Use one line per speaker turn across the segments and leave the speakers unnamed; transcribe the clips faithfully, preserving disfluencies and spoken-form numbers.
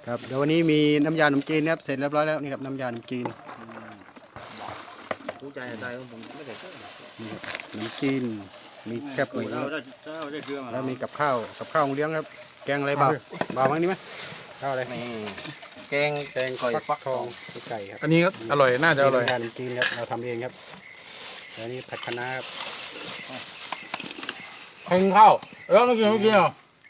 ครับเดี๋ยววันนี้มีน้ำยาขนมจีนครับเสร็จเรียบร้อยแล้วนี่ครับน้ำยาขนมจีน
ผู้ใจใจของผมไม่ได้เจอ
นี่ครับขนมจีนมีแคบหมู
เราได้เราได้เรื่อง
แล้วมีกับข้าวกับข้าวเลี้ยงครับแกงอะไรเบาเบามั้งนี่ไหมข้าวอะไร
นี่แกง
แกงก่อยฟักทองไก่ครับ
อันนี้ก็อร่อยน่าจะอร่อย
น้ำยาขนมจีนครับเราทำเองครับแล้วนี่ผัดคะน้าครับ
กินข้าวแล้วไม่กินไม่กินหรอ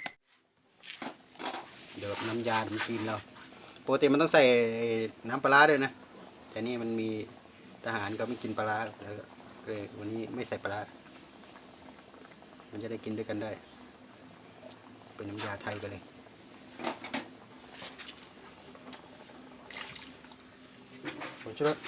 เดี๋ยวน้ำยาขนมจีนเราปกติมันต้องใส่น้ำปลาร้าด้วยนะแต่นี่มันมีทหารก็ไม่กินปลาร้าแล้วก็เลยวันนี้ไม่ใส่ปลาร้ามันจะได้กินด้วยกันได้เป็นน้ำยาไทยไปเลยผงชูรส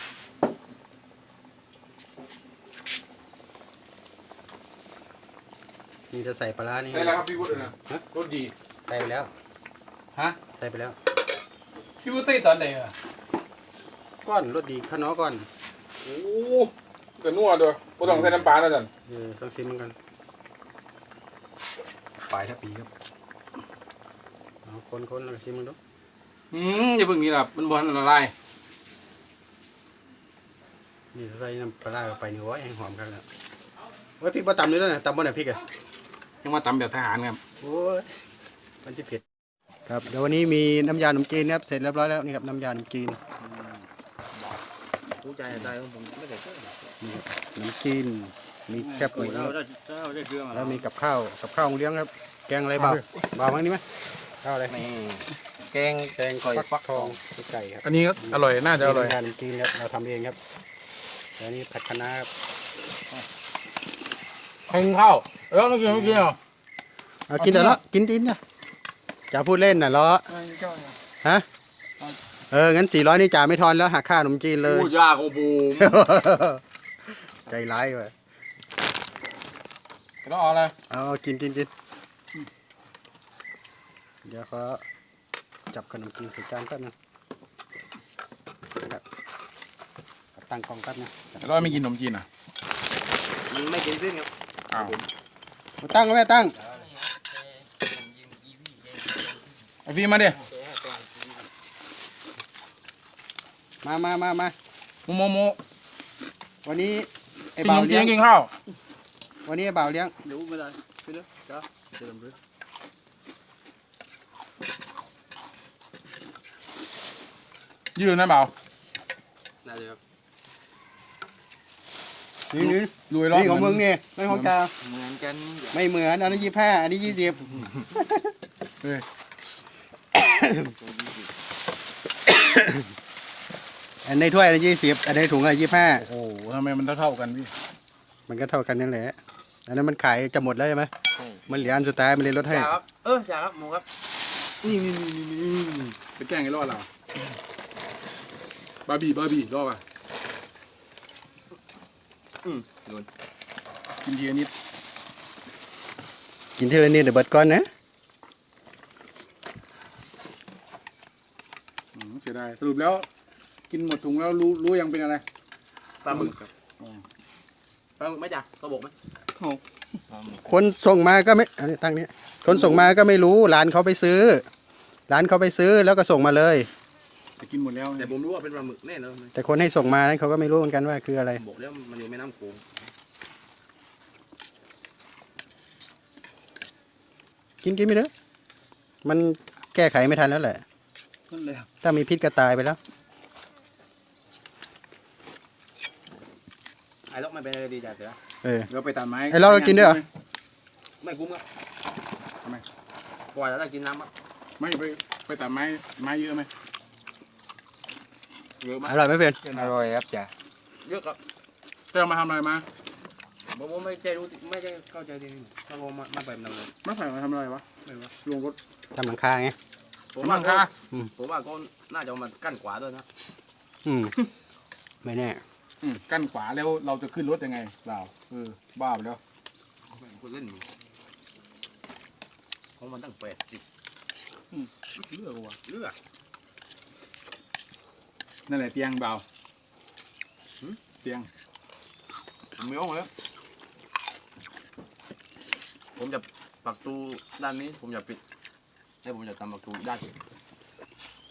นี่จะใส่ปลาร้านี่
ใช่แล้วครับพี่วุฒินะรสดี
ใส่ไปแล้ว
ฮะ
ใส่ไปแล้ว
พี่วุฒิตีตอนไหนอ่ะ
ก้อนรสดีข้าวน้อก้อน
โอ้กระนัวด้วยกูต้องใส่น้ำปลาแล้วจัน
เออต้องซิมกันปลายทับปีครับเอาคนๆแล้วก็ซิมมันดู
อืมอย่าเพิ่งนี้ล่ะมันบอลละลาย
นี่ใส่น้ำปลาร้าเข้าไปนี่โอ้ยแห้งหอมกันแล้วโอ้ยพริกบ่ตำเลยแล้วนะตำบ่ไหนพริกอ่ะ
ยังมาตำแบบทหารครับ
โอ้ยมันจะเผ็ดครับเดี๋ยววันนี้มีน้ำยาขนมจีนครับเสร็จเรียบร้อยแล้วนี่ครับน้ำยาขนมจีน
ผู้ใจใจของผมไม่ได้เจอ
นี่ครับขนมจีนมีแคบหมู
เราได้เราได้เรื่อง
แล้วมีกับข้าวกับข้าวเลี้ยงครับแกงอะไรเบาเบามั้งนี่ไหมข้าวอะไร
นี่แกง
แกงก่อยฟักทองไก่ครับ
อันนี้ก็อร่อยน่าจะอร่อย
น้ำยาขนมจีนครับเราทำเองครับแล้วนี่ผัดคะน้าครับ
กินข้าวแล้วไม่กินไม่กินหรอ
เอากินเดี๋ยวละกินดินนะจะพูดเล่นน่ะล้อฮะเอองั้นสี่ร้อยนี่จ่าไม่ทอนแล้วหักค่าขนมจีนเลย
ผู้ยาของบูม
ใจร้ายว่ะ
ต้องเอาอะไร
เอากินกินกินเดี๋ยวเขาจับขนมจีนใส่จานแป๊บนึงตั้งกล้องแป๊บนึง
ร้อยไม่กินขนมจีนอ่ะ
ไม่กินซึ่งครับ
อ้าว
ตั้งก็ไม่ตั้ง
ไอพี่มาดิ
มามามามา
โมโมโม
วันนี้ไอ้
กินข
บ่าวน
มจี
เลี้ย
น
ง
กินข้าว
วันนี้ไอ้บ่าวเลี้ยง
เดี๋ยวไม่ได้ไปเลยจ้าเดินไป
ยืนนะเปล่า
ได้เลยครับ
นี่นี่
รวยร้อน
นี่ของมึงนี่ไม่ของจ่า
เหมือนกัน
ไม่เหมือนอันนี้ยี่ห้าอันนี้ยี่สิบ
เฮ้ย
อันในถ้วยอันนี้ยี่สิบอันในถุงอันยี่ห้า
โอ้โหทำไมมันเท่าๆกันพี่
มันก็เท่ากันนั่นแหละอันนั้นมันขายจะหมดแล้วใช่ไหมมันเหลืออันสุดท้ายมันเลยลดให้
จ่าครับเออจ่าครับหมูครับนี่นี่นี่นี่นี่
ไปแกล้งไอ้รอดเราบาร์บี้บาร์บี้รอดป่ะ
อืมโดน
กินทีละนิด
กินทีละนิดเดี๋ยวเบิดก่อนนะ
อืมเสียดายสรุปแล้ว กินหมดถุงแล้วรู้รู้ยังเป็นอะไร
ปลาหมึกครับปลาหมึกไหมจ่าเขาบอกไหม
คนส่งมาก็ไม่อันนี้ตั้งนี้คนส่งมาก็ไม่รู้ร้านเขาไปซื้อร้านเขาไปซื้อแล้วก็ส่งมาเลย
แต่กินหมดแล้ว
แต่ผมรู้ว่าเป็นปลาหมึกแน่นอน
แต่คนให้ส่งมานั้นเขาก็ไม่รู้เหมือนกันว่าคืออะไร
บอกแล้วมันอยู่แม่น้ำโขง
กินกินไม่เด้อมันแก้ไขไม่ทันแล้วแหละ
นั่นเลย
ถ้ามีพิษก็ตายไปแล้ว
ไอ้ล็อกไม่เป็นอะไรดีจ่าเสือ
เออ
เดี๋ยวไปตัดไม้
ไอ้เราก็กินด้วยเหรอ
ไม่คุ้มครับ
ทำไม
กว่าจะได้กินน้ำครับ
ไม่ไปไปตัดไม้ไม้เยอะไหม
เยอะมาก
อร่อยไหมเพื่อน
อร่อยครับจ่าเยอะครับ
จะเอามาทำอะไรมา
ผมว่าไม่ใจรู้ไม่ได้เข้าใจดีถ้าผมมามาแบบนั้นเลย
ไม่ใส่มาทำอะไรวะ
ไม่รู้
ลงรถ
ทำหลังคาไง
ผม
ทำห
ว่า
ลัง
ก็
คา
ผมว่าก็น่าจะเอามากั้นขวาด้วยนะ
อืมไม่แน่
อืมกั้นขวาแล้วเราจะขึ้นรถยังไงเปล่าเออบ้าไปแล้ว
คุณเล่นอยู่ของมันตั้งแปดสิบ
เลือกว่ะ
เลือก
นั่นแหละเตียงเปล่าเตียง
ผมไม่เอาเลยผมจะปักตูด้านนี้ผมจะปิดแล้วผมจะทำปักตูด้าน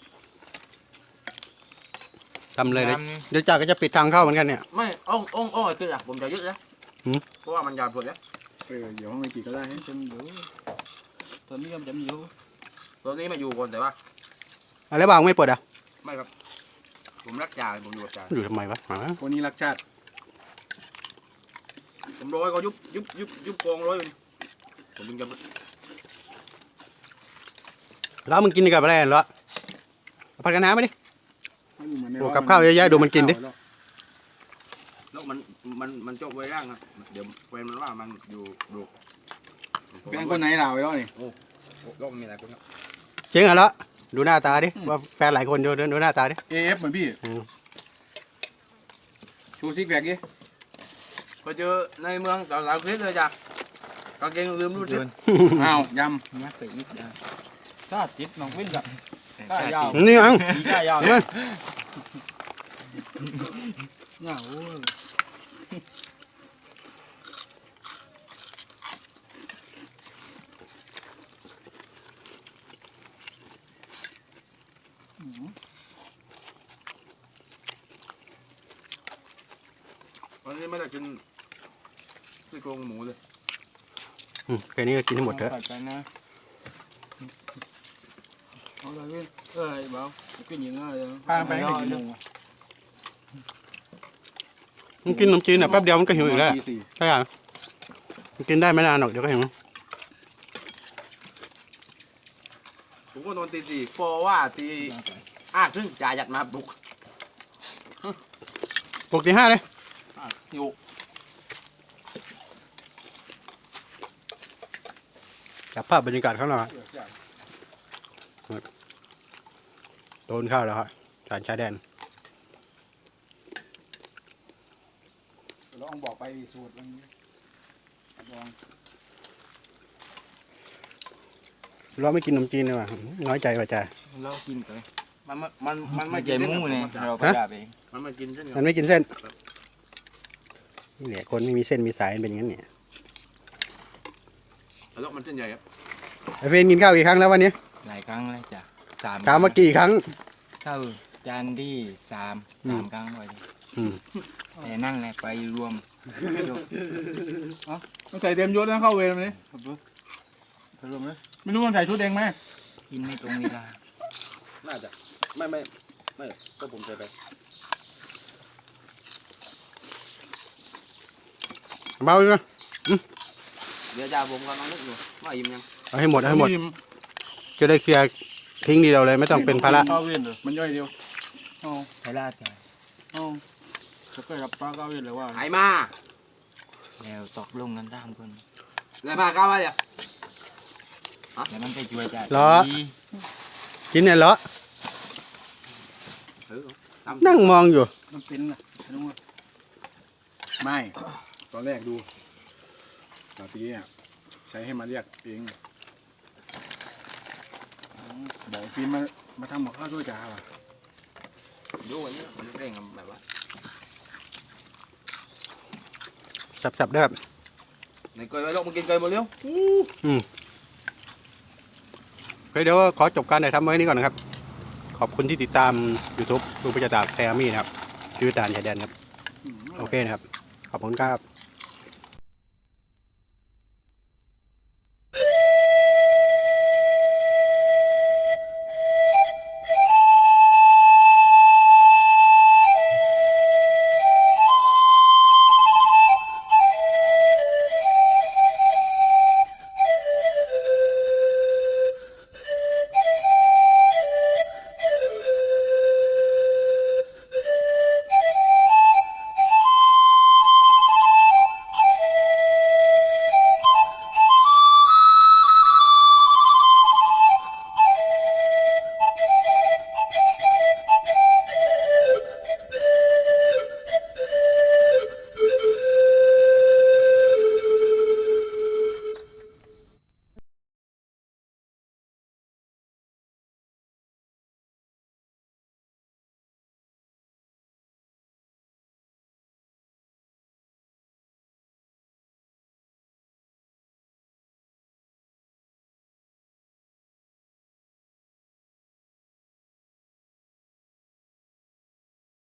ทำเลยเดี๋ยว
น้ำนี่
เดี๋ยวจ่าก็จะปิดทางเข้าเหมือนกันเนี่ย
ไม่อ่องอ่องอ่องไอ้ตึกอ่ะผมจะยึดแล้ว
หืม
เพราะว่ามันยาวสุดแล้ว
เออเดี๋ยวห้องไม่กี่ก็ได้ให้
จำอยู่ตอนนี้ยังจำอยู่
ตัวนี้มาอยู่ก่อนแต่ว่า
อะไรบ้างไม่เปิดอ่ะ
ไม่ครับ ผมรักจ่าผมอยู่กับจ่า
อยู่ทำไมวะหา
คนนี้รักชาติ
ผมร้อยก็ยุบยุบยุบยุบกองร้อยอยู่นี่ผมถึงจะ
แล้วมึงกินกับอะไรเหรอเอาผัดกันน้ำไหมดิ
ให้ดูเหมือนใน
โอ้กับข้าวเยอะแยะดูมันกินดิ
แล้วมันมันมันจบไว้ร่างอ่ะเดี๋ยวแฟนมันว่ามันอยู่ดู
เป็นคนไหนเราไอ้ย่อนี่
แล้วมันมีอะไรคนครับ
เจ๊งเหรอดูหน้าตาดิว่าแฟนหลายคนดูดูหน้าตาดิ
เอฟเหมือนพี่
อืม
ชูซิกแพคดิ
ไปเจอในเมืองสาวๆคลิปเลยจ้ะกางเกงลืมรูด
เดิ
ดิ
น
อ้าว
ย
ยั
ดไปอีกนะถ้าจิตน้องวิ่งกับก้ายาว
นี่อัง
มีก้ายาว
เห็นไหม
เหงา
วันนี้ไม่ได้กินซี่โครงหมูเลย
อืมแค่นี้ก็กินให้หมดเถอะ
ใส่ไปนะเอาเลยวิ่งเอ้ยเบาขึ้นยังไงเลย
พาไปให้กี่โมง
มึงกินขนมจีนอ่ะแป๊บเดียวมันก็หิวอีกแล้ว
ตีสี่
ใช่ไหมมันกินได้ไม่นานหรอกเดี๋ยวก็หิว
ผมก็นอนตีสี่เพราะว่าตีอ้าครึ่งจ่าหยัดมาปลุก
ปกติห้าเลย
อยู่
จับภาพบรรยากาศข้างนอกโดนเข้าแล้วครับสารชายแดน
ลองบอกไปสูตรมันลอง
เราไม่กินขนมจีนเลยว่ะน้อยใจว่ะจ้า
เรากินไป
มันมันมัน
ไม่
ไม่
ใจ
กิน
มู่เนี่ยเราไปด่าเอง
มันไม่กินเช่น
มันไม่กินเส้นนี่แหละคนไม่มีเส้นมีสายเป็นอย่างนั้นเนี่ย
แล้วมันเส้นใหญ่ครับ
ไอเฟนกินข้าวกี่ครั้งแล้ววันนี้
หลายครั้งเลยจ้ะสาม
ถามว่ากี่ครั้ง
เข้าจานที่สาม
อืม
สามครั้งเลย
อืม
แต่นั่งเลยไปรวม
ต้องใส่เต็มยศนะเข้าเวรมันนี่
ไปรวมเลย
ไม่รู้มันใส่ชุดเองไหม
กินไม่ตรงเวลา
น่าจะไม่ไม่ไม่ก็ผมใส่ไป
เบาอยู่นะ
เดี๋ยวจ่าผมกำลังนึกอยู่ว่าอิ่มยัง
เอาให้หมดเอาให้หมดจะได้เคลียร์ทิ้งทีเดียวเลยไม่ต้องเป็นภาระ
เข้าเวรเหรอมันย่อยเดียวอ๋อ
ไปลาดจ้ะ
อ๋อจะเคยกับป้าเข้าเวรหรือว่า
หายมา
แล้วตกลงกันตามคน
เลยมาก้าวมาเดี๋ยว
แล้วมันไปช่วยจ้ะ
เหรอ กินเนี่ยเหรอ
เออตาม
นั่งมองอยู่
มันเป็นนะรู้ไหมไม่ตอนแรกดูตาตีเนี่ยใช้ให้มาเรียกเองบอกฟิล์มมามาทำหมกข้าวด้วยจ้าว่ะ
ดูอันนี้มันเร่งแบบว่า
สับๆเด้อครับ
ในเกยไว้ลงมากินเกยหมดเร็ว
อืมโอเคเดี๋ยวขอจบการถ่ายทำไว้นี้ก่อนนะครับ ขอบคุณที่ติดตาม YouTube ลุงประจักษ์แทมี่นะครับชีวิตด่านชายแดนครับ
อืม
โอเคนะครับ ขอบคุณครับ